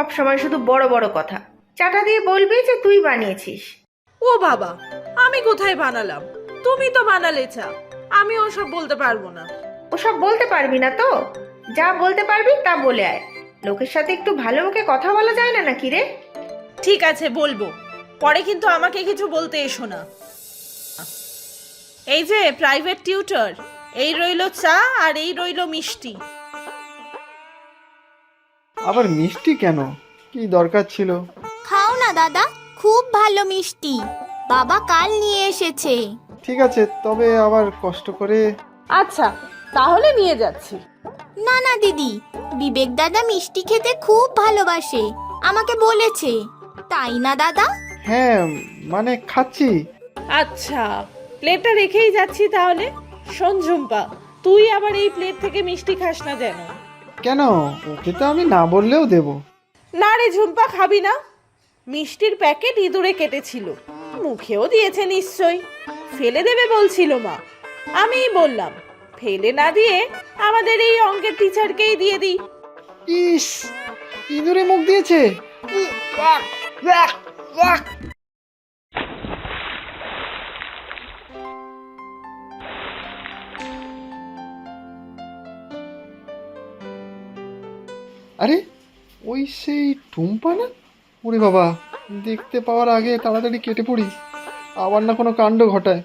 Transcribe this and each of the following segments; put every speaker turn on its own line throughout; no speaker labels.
সব সময় শুধু বড় বড় কথা। চাটা দিয়ে বলবি যে তুই বানিয়েছিস।
ও বাবা, আমি কোথায় বানালাম? তুমি তো বানালে চা। আমি ওসব বলতে পারবো না।
ওসব বলতে পারবি না তো? যা বলতে পারবি তা বলে আয়। লোকের সাথে একটু ভালো মুখে কথা বলা যায় না নাকি রে?
ঠিক আছে, বলবো। পরে কিন্তু আমাকে কিছু বলতে এসো না। এই যে প্রাইভেট টিউটর, এই রইলো চা আর এই রইলো মিষ্টি।
আবার মিষ্টি কেন? কি দরকার ছিল?
খাও না দাদা, খুব ভালো মিষ্টি, বাবা কাল নিয়ে এসেছে।
ঠিক আছে, তবে আবার কষ্ট করে।
আচ্ছা, তাহলে নিয়ে যাচ্ছি।
না না দিদি, বিবেক দাদা মিষ্টি খেতে খুব ভালোবাসে, আমাকে বলেছে। তাই না দাদা?
হ্যাঁ, মানে খাচ্ছি।
আচ্ছা, প্লেটটা রেখেই যাচ্ছি তাহলে। শোন ঝুম্পা, তুই আবার এই প্লেট থেকে মিষ্টি খাস না যেন।
কেন? ওকে তো আমি না বললেও দেব।
না রে ঝুম্পা, খাবি না? মিষ্টির প্যাকেট ইঁদুরে কেটেছিল, মুখেও দিয়েছে নিশ্চয়ই। ফেলে দেবে বলছিল মা। আমিই বললাম ফেলে না দিয়ে আমাদের এই অঙ্কের টিচারকেই দিয়ে দিই।
ইস, ইঁদুরে মুখ দিয়েছে। আরে, ওই সেই টুম্পা না? ওরে বাবা, দেখতে পাওয়ার আগে তাড়াতাড়ি কেটে পড়ি, আবার না কোনো কাণ্ড ঘটায়।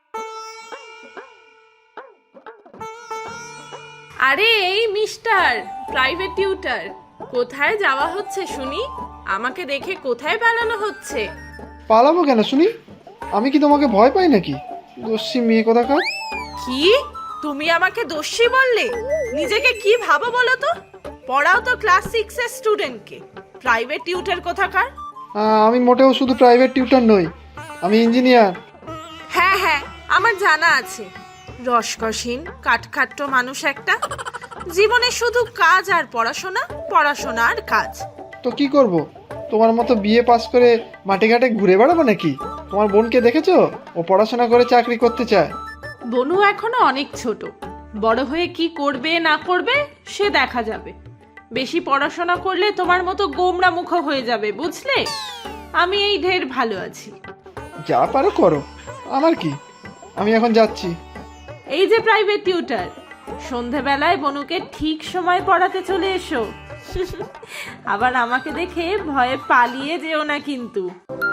আরে এই মিস্টার প্রাইভেট টিউটর, কোথায় যাওয়া হচ্ছে শুনি? আমাকে দেখে কোথায় পালানো হচ্ছে?
পালাবো কেন শুনি? আমি কি তোমাকে ভয় পাই নাকি? দস্যি মেয়ে কোথাকার।
কি? তুমি আমাকে দোষী বললে? নিজেকে কি ভাবো বলো তো? পড়াও তো ক্লাস 6 এর স্টুডেন্টকে, প্রাইভেট টিউটর কোথাকার?
আমি মোটেও শুধু প্রাইভেট টিউটর নই, আমি ইঞ্জিনিয়ার।
হ্যাঁ হ্যাঁ, আমার জানা আছে। রসকসীন কাঠখাট্ট মানুষ একটা, জীবনে শুধু কাজ আর পড়াশোনা, পড়াশোনা আর কাজ।
তো কি করব? তোমার মতো বিএ পাস করে মাঠে ঘাটে ঘুরে বেড়াবো নাকি? তোমার বোনকে দেখেছো? ও পড়াশোনা করে চাকরি করতে চায়।
বনু এখনো অনেক ছোট, বড় হয়ে কি করবে না করবে সে দেখা যাবে। বেশি পড়াশোনা করলে তোমার মতো গোমরা মুখ হয়ে যাবে, বুঝলে? আমি এই ঢের ভালো আছি।
যা পারো করো, আমার কি? আমি এখন যাচ্ছি।
এই যে প্রাইভেট টিউটর, সন্ধেবেলায় বনুকে ঠিক সময় পড়াতে চলে এসো। আবার আমাকে দেখে ভয়ে পালিয়ে যেও না কিন্তু।